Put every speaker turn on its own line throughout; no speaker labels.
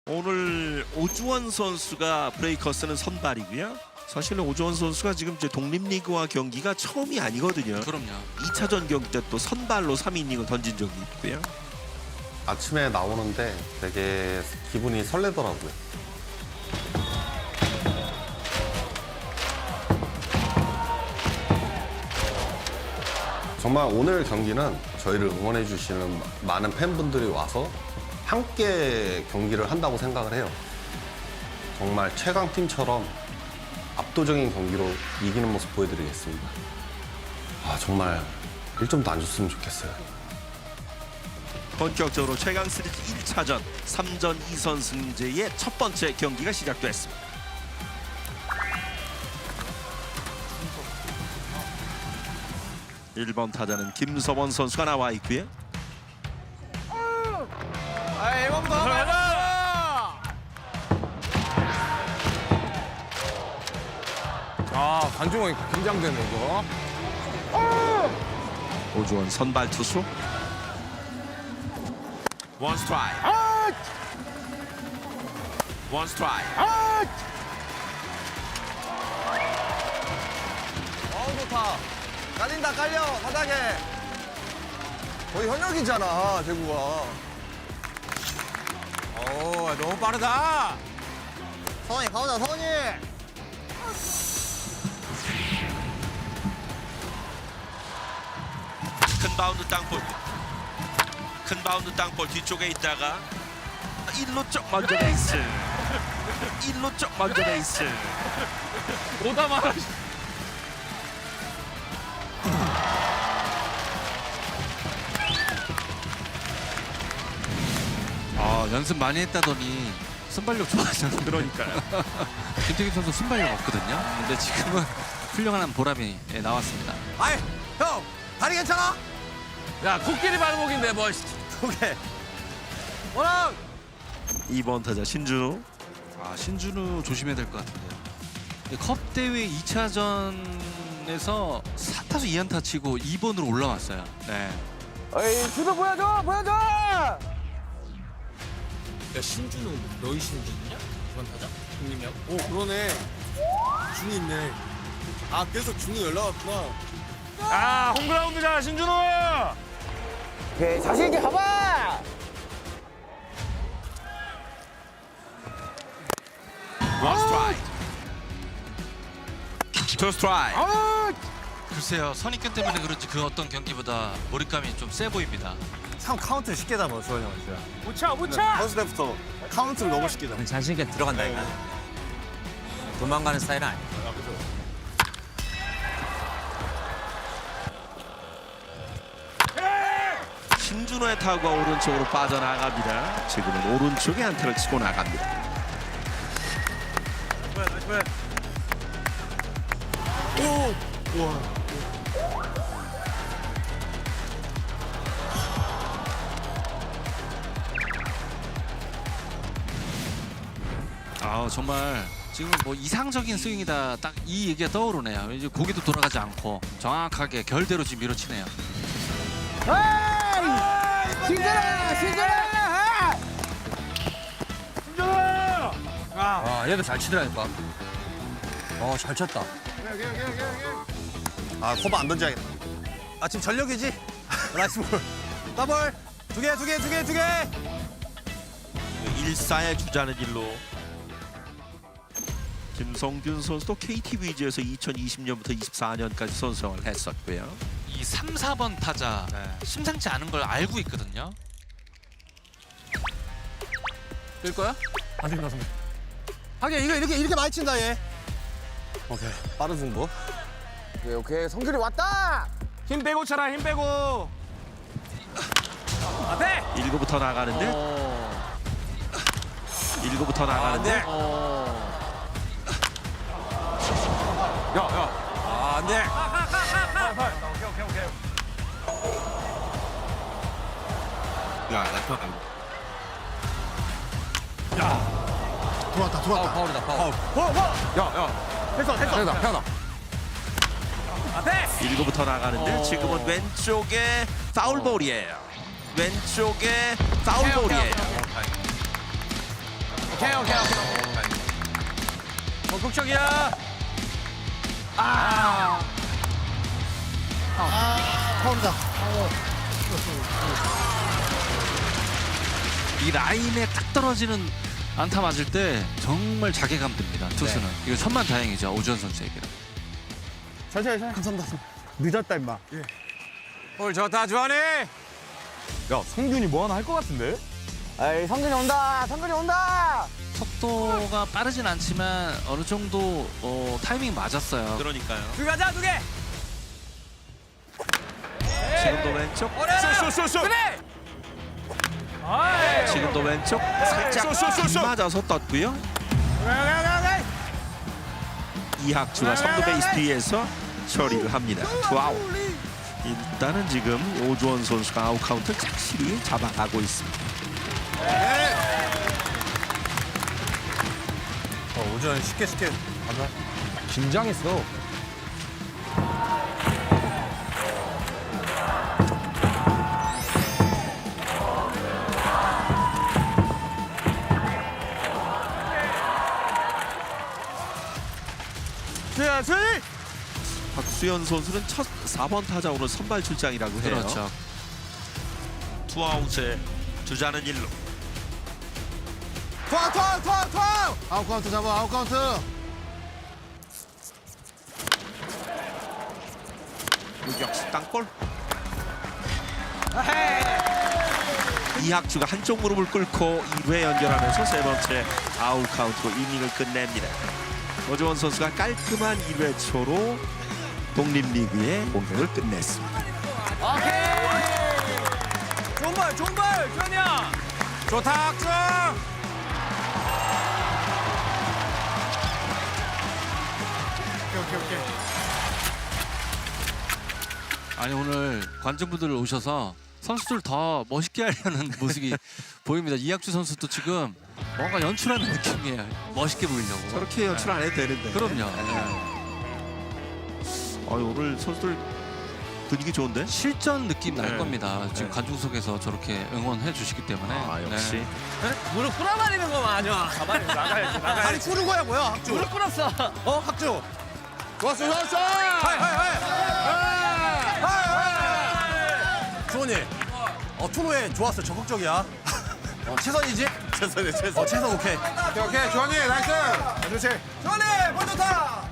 오늘 오주원 선수가 브레이커스는 선발이고요. 사실은 오주원 선수가 지금 이제 독립리그와 경기가 처음이 아니거든요.
그럼요.
2차전 경기 때 또 선발로 3이닝을 던진 적이 있고요.
아침에 나오는데 되게 기분이 설레더라고요. 정말 오늘 경기는 저희를 응원해 주시는 많은 팬분들이 와서 함께 경기를 한다고 생각을 해요. 정말 최강팀처럼 압도적인 경기로 이기는 모습 보여드리겠습니다. 정말 1점도 안 줬으면 좋겠어요.
본격적으로 최강 시리즈 1차전 3전 2선 승제의 첫 번째 경기가 시작됐습니다. 일 번 타자는 김서원 선수가 나와 있고요.
관중이 긴장되네 이거.
오주원 선발 투수. 원 스트라이크. 원 스트라이크.
좋다. 깔린다 깔려 바닥에. 거의 현역이잖아 대구가. 너무 빠르다. 성원이 가오자 성원이.
큰 바운드 땅볼. 큰 바운드 땅볼 뒤쪽에 있다가 1루 쪽 먼저 베이스. 1루 쪽 먼저 베이스.
오다 말아. 연습 많이 했다더니 순발력 좋아하잖아요.
그러니까요.
김태균 선수 순발력 없거든요. 근데 지금은 훌륭한 보람이 나왔습니다.
아이 형 다리 괜찮아?
야, 코끼리 발목인데 뭐.
오케이. 원랑.
2번 타자 신준우.
신준우 조심해야 될 것 같은데요. 컵 대회 2차전에서 4타수 2안타 치고 2번으로 올라왔어요. 네.
어이 주도 보여줘 보여줘.
야, 신준우 너희 신준이냐? 이번 타자? 형님이야?
오 그러네. 중이 있네. 그래서 중이 연락 왔구나.
홈그라운드잖아, 신준우!
오케이 자신 있게 가봐.
원 스트라이크. 투 스트라이크.
글쎄요, 선입견 때문에 그런지 그 어떤 경기보다 몰입감이 좀 세 보입니다.
참 카운트 쉽게 잡아 주원이 형 진짜.
못 차!
선수 때부터 카운트를 너무 쉽게 잡아.
자신 있게 들어간다니까. 도망가는 스타일은 아니야.
신준호의 타구가 오른쪽으로 빠져나갑니다. 지금은 오른쪽에 안타를 치고 나갑니다.
정말 지금 뭐 이상적인 스윙이다, 딱 이 얘기가 떠오르네요. 이제 고개도 돌아가지 않고 정확하게 결대로 지금 밀어치네요.
얘도 잘 치더라니까. 잘 쳤다.
커버 안 던져야겠다. 지금 전력이지? 나이스 볼. 더블. 두 개.
1사의 주자는 1루. 김성균 선수도 KT 위즈에서 2020년부터 24년까지 선수생활을 했었고요.
이 3, 4번 타자 심상치 않은 걸 알고 있거든요. 뜰 거야?
아직 나서. 하긴 이렇게 많이 친다 얘. 오케이. 빠른 승부. 오케이. 성균이 왔다.
힘 빼고 차라, 힘 빼고! 앞에!
1구부터 나가는데 1구부터 나가는데
안 돼.
들어왔다. 파울이다, 파울.
됐어.
앞에!
1구부터 나가는데 지금은 왼쪽에 파울볼이에요. 왼쪽에 파울볼이에요.
오케이.
적극적이야.
이 라인에 딱 떨어지는 안타 맞을 때 정말 자괴감 듭니다. 투수는 이거 천만다행이죠 오주원 선수에게는.
감사합니다. 늦었다 임마.
볼 좋다 주환이.
야 성균이 뭐 하나 할 것 같은데? 에이 성균이 온다.
속도가 빠르진 않지만 어느 정도 타이밍 맞았어요.
그러니까요.
두 가자 두 개.
지금도 왼쪽.
그래.
지금도 왼쪽. 살짝 맞아서 떴고요. 이학주가 3루 베이스 뒤에서 처리를 합니다. 투아웃. 일단은 지금 오주원 선수가 아웃 카운트 확실히 잡아가고 있습니다.
오전 쉽게 가자. 긴장했어.
박수현 선수는 첫 4번 타자 오늘 선발 출장이라고 해요.
그렇죠.
투아웃에 주자는 1루.
투아. 아웃 카운트 잡아. 아웃 카운트.
유격수 땅볼. 이학주가 한쪽 무릎을 꿇고 2회 연결하면서 세 번째 아웃 카운트로 이닝을 끝냅니다. 오주원 선수가 깔끔한 1회 초로 독립리그의 공격을 끝냈습니다.
좋은 볼 주환이야. 좋다 학중.
아니 오늘 관중분들 오셔서 선수들 더 멋있게 하려는 모습이 보입니다. 이학주 선수도 지금 뭔가 연출하는 느낌이에요. 멋있게 보이려고.
저렇게 연출 안 해도 되는데.
그럼요.
오늘 선수들 분위기 좋은데?
실전 느낌 날
네.
겁니다. 지금 관중석에서 저렇게 응원해 주시기 때문에.
역시.
네.
무릎 꿇어버리는 거 마녀.
아니 푸는 거야 뭐야 학주?
무릎 꿇었어.
학주. 좋았어. 주원이. 투노에 좋았어. 적극적이야. 최선이지? 최선. 최선 오케이. 오케이. 주원이 나이스. 그렇지. 주원이 볼 좋다.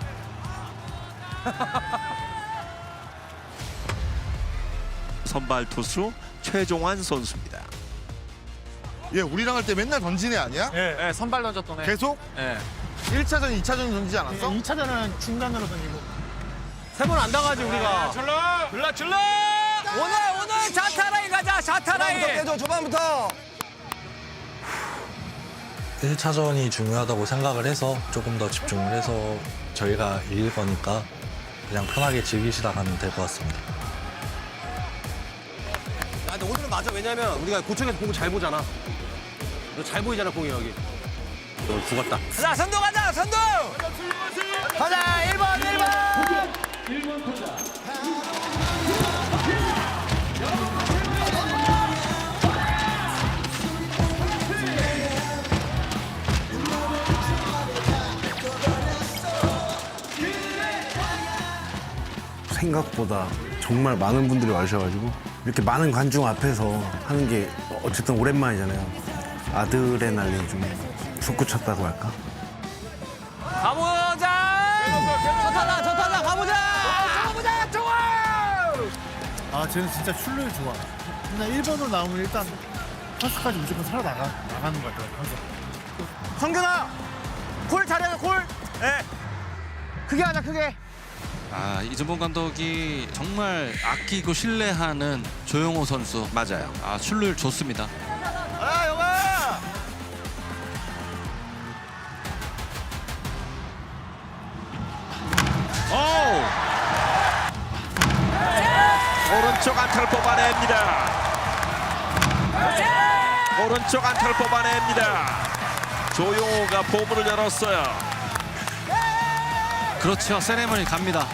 선발 투수 최종환 선수입니다.
얘 우리랑 할 때 맨날 던진 애 아니야?
예, 선발 던졌던 애.
계속?
예.
1차전, 2차전 던지지 않았어?
2차전은 중간으로 던지고.
세 번 안 당하지 우리가.
줄라. 오늘 자타라인 가자. 자타라인.
깨줘 초반부터.
1차전이 중요하다고 생각을 해서 조금 더 집중을 해서 저희가 이길 거니까 그냥 편하게 즐기시다 가면 될 것 같습니다.
근데 오늘은 맞아. 왜냐면 우리가 고척에서 공을 잘 보잖아. 너 잘 보이잖아 공이 여기. 너 죽었다.
자 선두 가자. 선두. 가자 1번.
생각보다 정말 많은 분들이 와주셔가지고 이렇게 많은 관중 앞에서 하는 게 어쨌든 오랜만이잖아요. 아드레날린이 좀 솟구쳤다고 할까?
가보자. 저 타자 가보자.
아, 쟤는 진짜 출루율 좋아. 그냥 1번으로 나오면 일단 퍼스까지 무조건 나가는 것 같아요. 항상.
성균아, 콜 잘해 콜. 예. 크게 하자 크게.
이정범 감독이 정말 아끼고 신뢰하는 조용호 선수.
맞아요.
출루율 좋습니다.
영아.
오른쪽 안타를 뽑아냅니다. 오른쪽 안타를 뽑아냅니다. 조용호가 포문을 열었어요.
그렇죠. 세레머니 갑니다.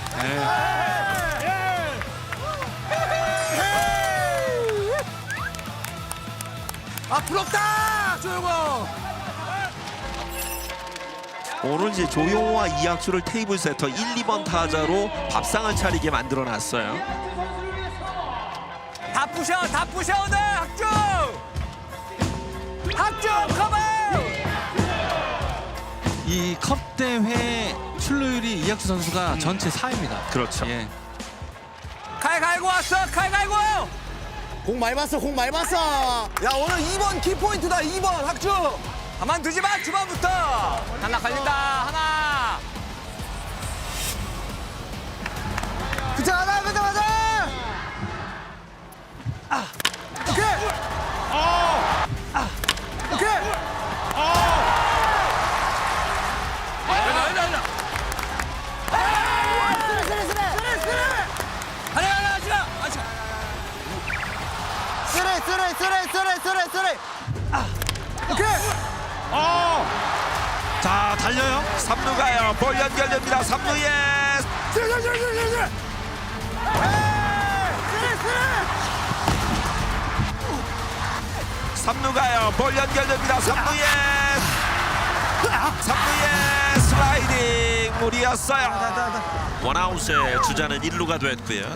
부럽다 조용호.
오늘 이제 조용호와 이학주를 테이블 세터 1, 2번 타자로 밥상을 차리게 만들어놨어요.
다 부셔 오늘 학주 컴온.
이 컵 대회 출루율이 이학주 선수가 전체 4위입니다.
그렇죠.
예.
칼 갈고 왔어 칼 갈고.
공 많이 봤어 공 많이 봤어. 야 오늘 2번 키포인트다 2번 학주.
가만두지 마 주방부터. 하나 갈린다 하나.
그자 하나 그자 맞아. 오케이. 오케이. 쓰레. 오케이.
자, 달려요. 3루 가요. 볼 연결됩니다. 3루에
쓰레.
3루 가요. 볼 연결됩니다. 3루에 슬라이딩 무리였어요. 원아웃에 주자는 1루가 됐고요.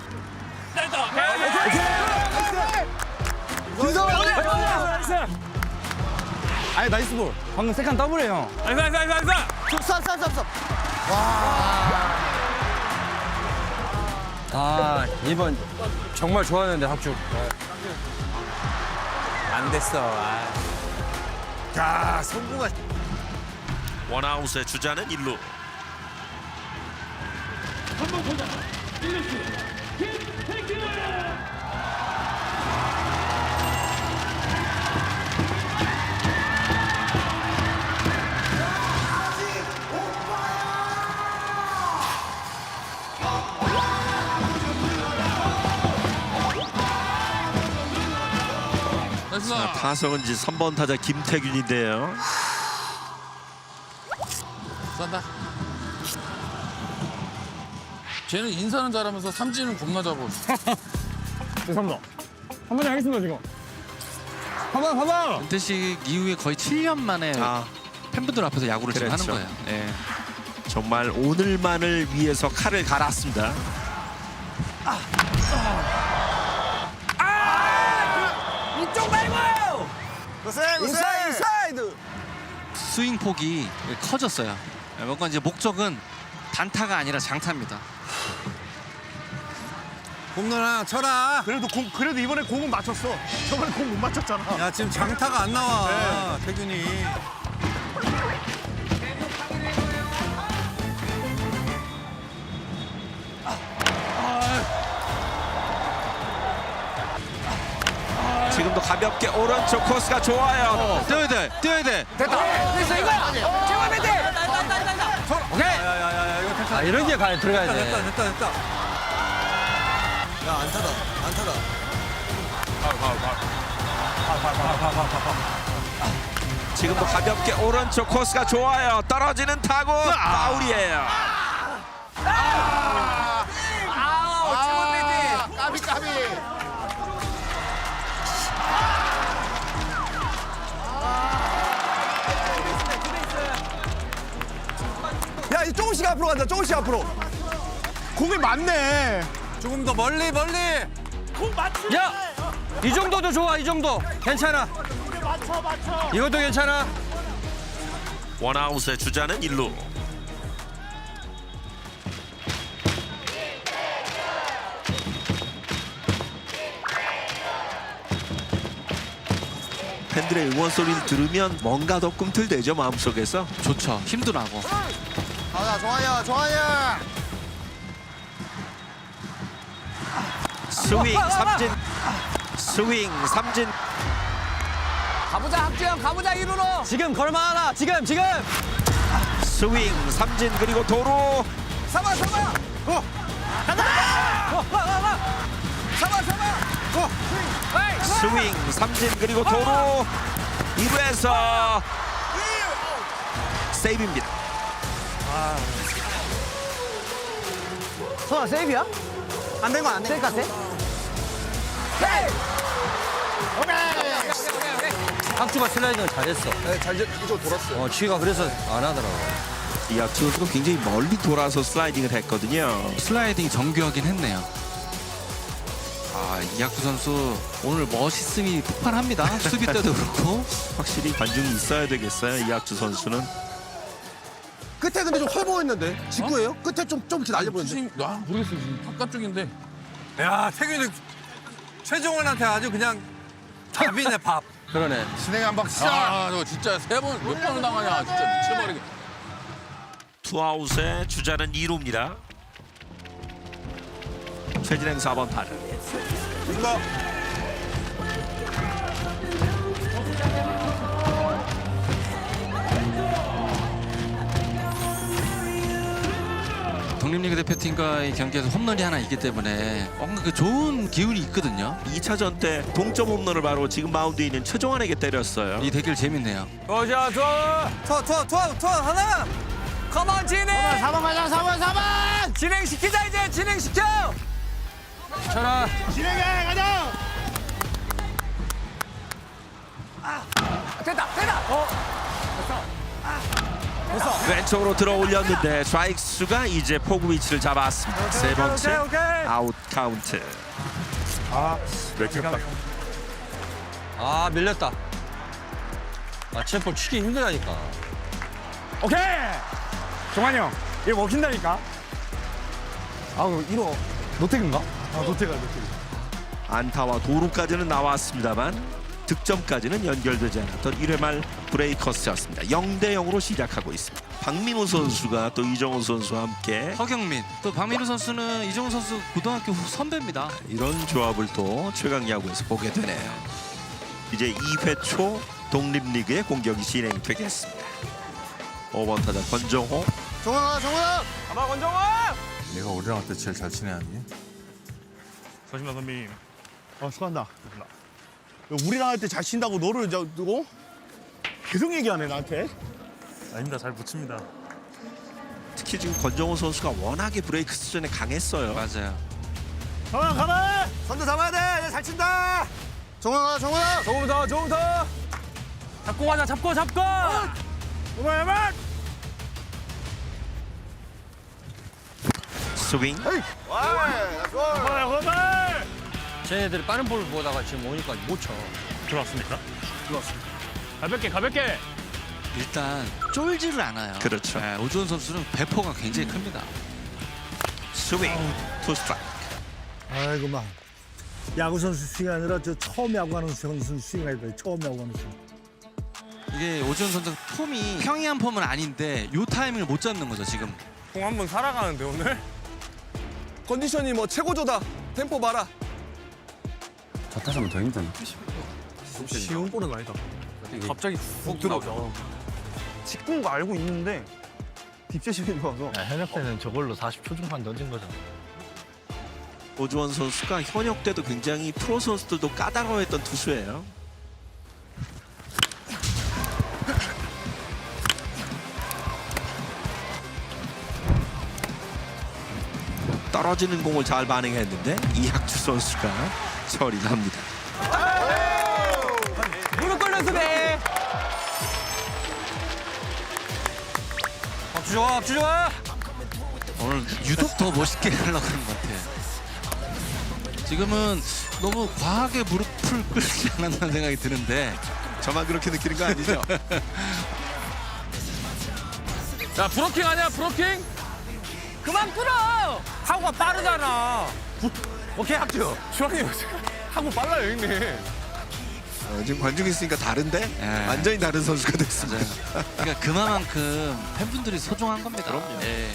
아니 나이스 볼. 방금 세컨 더블이에요.
아 이번 정말 좋아하는데 학주. 안 됐어.
자 성공한.
원아웃에 주자는 1루. 자, 타석은 이제 3번 타자 김태균인데요.
쏜다. 쟤는 인사는 잘하면서 삼진은 겁나 잡고.
죄송합니다. 한번 하겠습니다 지금. 봐봐.
은퇴식 이후에 거의 7년 만에 팬분들 앞에서 야구를 지금 하는
그렇죠.
거예요. 예.
정말 오늘만을 위해서 칼을 갈았습니다.
이쪽 말고.
인사이드.
스윙 폭이 커졌어요. 뭔가 이제 목적은 단타가 아니라 장타입니다.
홈런 하나 쳐라.
그래도 이번에 공은 맞췄어. 저번에 공 못 맞췄잖아.
야 지금 장타가 안 나와. 태균이.
지금도 가볍게 오른쪽 코스가 좋아요.
뛰어야 돼.
됐어 이거야. 제발 멘트. 오케이.
야야야야 이거 택.
이런 게 가야 들어가야 돼.
됐다. 야 안타다.
지금도 가볍게 오른쪽 코스가 좋아요. 떨어지는 타구 파울이에요.
까비. 야, 이 조금씩 앞으로 간다. 조금씩 앞으로.
공이 맞네.
조금 더 멀리.
야, 이 정도도 좋아. 이 정도 괜찮아. 이것도 괜찮아.
원아웃의 주자는 1루. 팬들의 응원 소리를 들으면 뭔가 더 꿈틀대죠, 마음속에서.
좋죠. 힘도 나고.
좋아요.
스윙 삼진.
가보자 학주형 가보자 1루로. 지금 걸만하다. 지금.
스윙 삼진 그리고 도루.
잡아.
스윙 삼진 그리고 도루. 2루에서 세이브입니다.
소아 세이브야? 안 된 거 안 돼. 세이브 같아?
학주가 슬라이딩을 잘했어.
네, 잘 이쪽 돌았어요.
지가 그래서 안 하더라고.
이학주 선수가 굉장히 멀리 돌아서 슬라이딩을 했거든요.
슬라이딩이 정교하긴 했네요. 이학주 선수 오늘 멋있음이 폭발합니다. 수비 때도 그렇고.
확실히 관중이 있어야 되겠어요. 이학주 선수는.
끝에 근데 좀 헐보였는데 직구예요? 끝에 좀 이렇게 날려보였는데.
모르겠어 지금 바깥쪽인데.
야 태균이 최종원한테 아주 그냥 밥이네 밥.
그러네.
진행 한박 시작.
너 진짜 몇 번을 당하냐 진짜 미쳐버리게.
투아웃에 주자는 2루입니다. 최진행 4번 타자.
독립리그 대표팀과의 경기에서 홈런이 하나 있기 때문에 뭔가 그 좋은 기운이 있거든요.
2차전 때 동점 홈런을 바로 지금 마운드에 있는 최종환에게 때렸어요.
이 대결 재밌네요.
투아 하나. 컴온 진행. 4번 가자 4번. 진행시키자 이제 진행시켜.
진행해 가자.
됐다.
왼쪽으로 들어 올렸는데 스트라이크수가 이제 포구 위치를 잡았습니다. 세 번째 아웃 카운트.
아 밀렸다. 체포 치기 힘들다니까.
오케이. 종환이 형. 이거 먹힌다니까. 이거 노택인가?
노태가.
안타와 도루까지는 나왔습니다만 득점까지는 연결되지 않았던 1회 말 브레이커스였습니다. 0대 0으로 시작하고 있습니다. 박민호 선수가 또 이정우 선수와 함께
허경민 또 박민우 선수는 이정우 선수 고등학교 선배입니다.
이런 조합을 또 최강 야구에서 보게 되네요. 이제 2회 초 독립리그의 공격이 진행이 되겠습니다. 5번 타자 권정호.
정훈아.
가봐 권정호.
내가 우리랑 할 때 제일 잘 치네 아니?
서진아 선배님. 수고한다. 우리랑 할 때 잘 친다고 너를 누구? 계속 얘기하네 나한테.
아닙니다. 잘 붙입니다.
특히 지금 권정호 선수가 워낙에 브레이크 수준에 강했어요.
맞아요.
가만.
선두 잡아야 돼. 잘 친다. 정훈아.
조금 더. 잡고 가자. 잡고.
그만.
스윙.
그만.
쟤네들이 빠른 볼을 보다가 지금 오니까 못 쳐.
들어왔습니까?
가볍게.
일단 쫄지를 않아요.
그렇죠.
네, 오주원 선수는 배포가 굉장히 큽니다.
스윙. 투 스트라이크.
아이고만. 야구 선수 스윙이 아니라 저 처음 야구하는 선수 스윙이 아니다. 처음 야구하는 스윙.
이게 오주원 선수 폼이 평이한 폼은 아닌데 요 타이밍을 못 잡는 거죠 지금.
공 한 번 살아가는데 오늘. 컨디션이 뭐 최고조다. 템포 봐라.
저 타자면 더 힘드네.
쉬운 볼은 아니다. 갑자기 훅 들어오자. 직구인 거 알고 있는데 딥세심이 좋아서.
현역 때는 저걸로 40초 중반 던진 거잖아.
오주원 선수가 현역 때도 굉장히 프로 선수들도 까다로워했던 투수예요. 떨어지는 공을 잘 반응했는데 이학주 선수가 처리합니다.
무릎 꿇는 수비.
박주 좋아.
오늘 유독 더 멋있게 하려고 하는 것 같아요. 지금은 너무 과하게 무릎을 꿇지 않았다는 생각이 드는데
저만 그렇게 느끼는 거 아니죠?
자 브로킹 아니야 브로킹? 그만 끌어. 하구가 빠르잖아.
오케이 합주. 주환이 하고 빨라요 형님.
지금 관중 있으니까 다른데?
예.
완전히 다른 선수가 됐습니다.
맞아요. 그러니까 그만큼 팬분들이 소중한 겁니다.
그럼요.
예.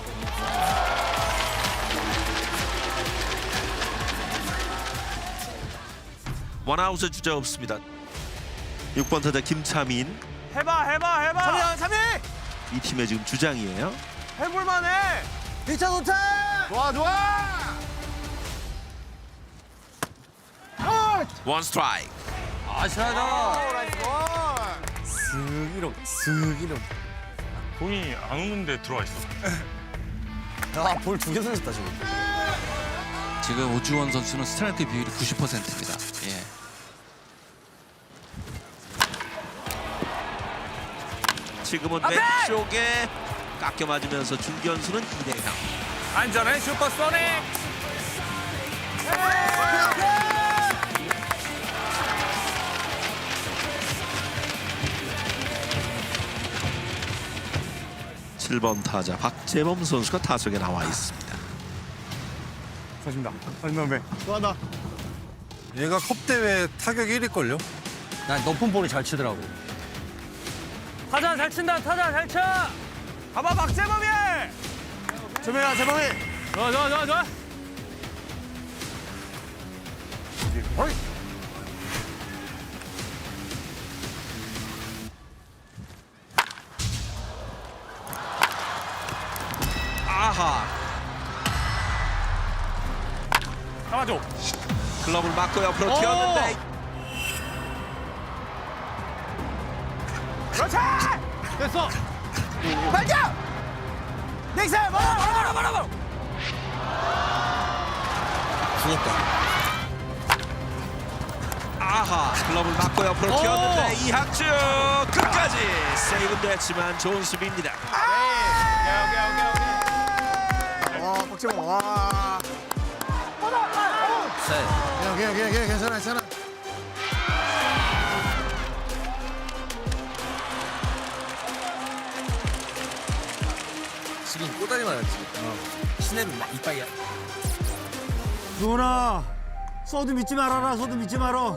원아웃의 주자 없습니다. 6번 타자 김차민.
해봐. 참이.
이 팀의 지금 주장이에요.
해볼만해.
1차 도착.
좋아.
원 스트라이크.
아시하다.
쓱 공이 안 오는데 들어와 있어.
야볼 2개 던졌다 지금.
지금 오주원 선수는 스트라이크 비율이 90%입니다. 예.
지금은 왼쪽에 깎여 맞으면서 중견수는 이대강.
안전해 슈퍼소닉.
칠 번 타자 박재범 선수가 타석에 나와 있습니다.
서진다. 서진다, 수고한다.
얘가 컵대회 타격 1위걸요?
난 높은 볼을 잘 치더라고.
타자 잘 친다. 타자 잘 쳐. 가봐 박재범이.
재범이야, 재범이.
좋아.
아하.
잡아줘.
클럽을 맞고 옆으로 튀었는데
그렇지. 됐어. 발견. 넥스 바로.
아하. 클럽을 맞고 옆으로 튀었는데 이학주 끝까지 세이브는 됐지만 좋은 수비입니다.
와, 박재범, 와. 그냥, 괜찮아.
지금 꼬다리 맞았지. 시내는 막 이빨이야.
누나, 소드 믿지 말아라, 소드 믿지 말어.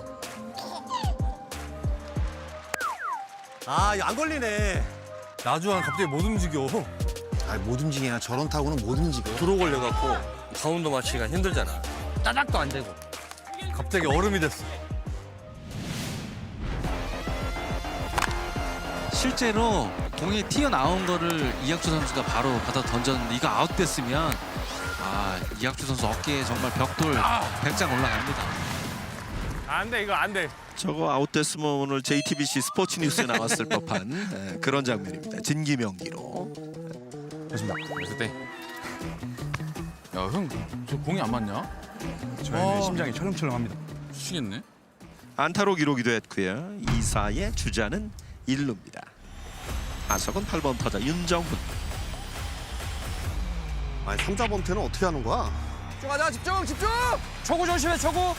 아, 이거 안 걸리네. 나주환 갑자기 못 움직여.
아, 못 움직이냐. 저런 타구는 못 움직여.
도로 걸려갖고 바운드 맞추기가 힘들잖아. 따닥도 안 되고.
갑자기 얼음이 됐어.
실제로 공이 튀어나온 거를 이학주 선수가 바로 받아 던졌는데 이거 아웃됐으면 이학주 선수 어깨에 정말 벽돌 100장 올라갑니다.
안 돼 이거 안 돼.
저거 아웃됐으면 오늘 JTBC 스포츠 뉴스에 나왔을 법한 그런 장면입니다. 진기명기로.
그랬을 때. 야, 형, 저 공이 안 맞냐?
저의 심장이 철렁철렁합니다.
미치겠네.
안타로 기록이 됐고요. 2사의 주자는 1루입니다. 타석은 8번 타자 윤정훈.
아니 3자 범퇴는 어떻게 하는 거야?
집중하자 집중. 초구 조심해 초구.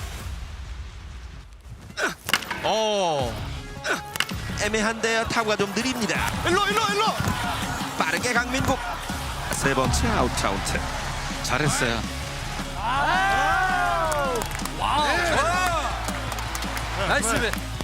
애매한데요. 타구가 좀 느립니다.
일로.
빠르게 강민국. 세 번째 아웃 카운트.
잘했어요.
나이스 배.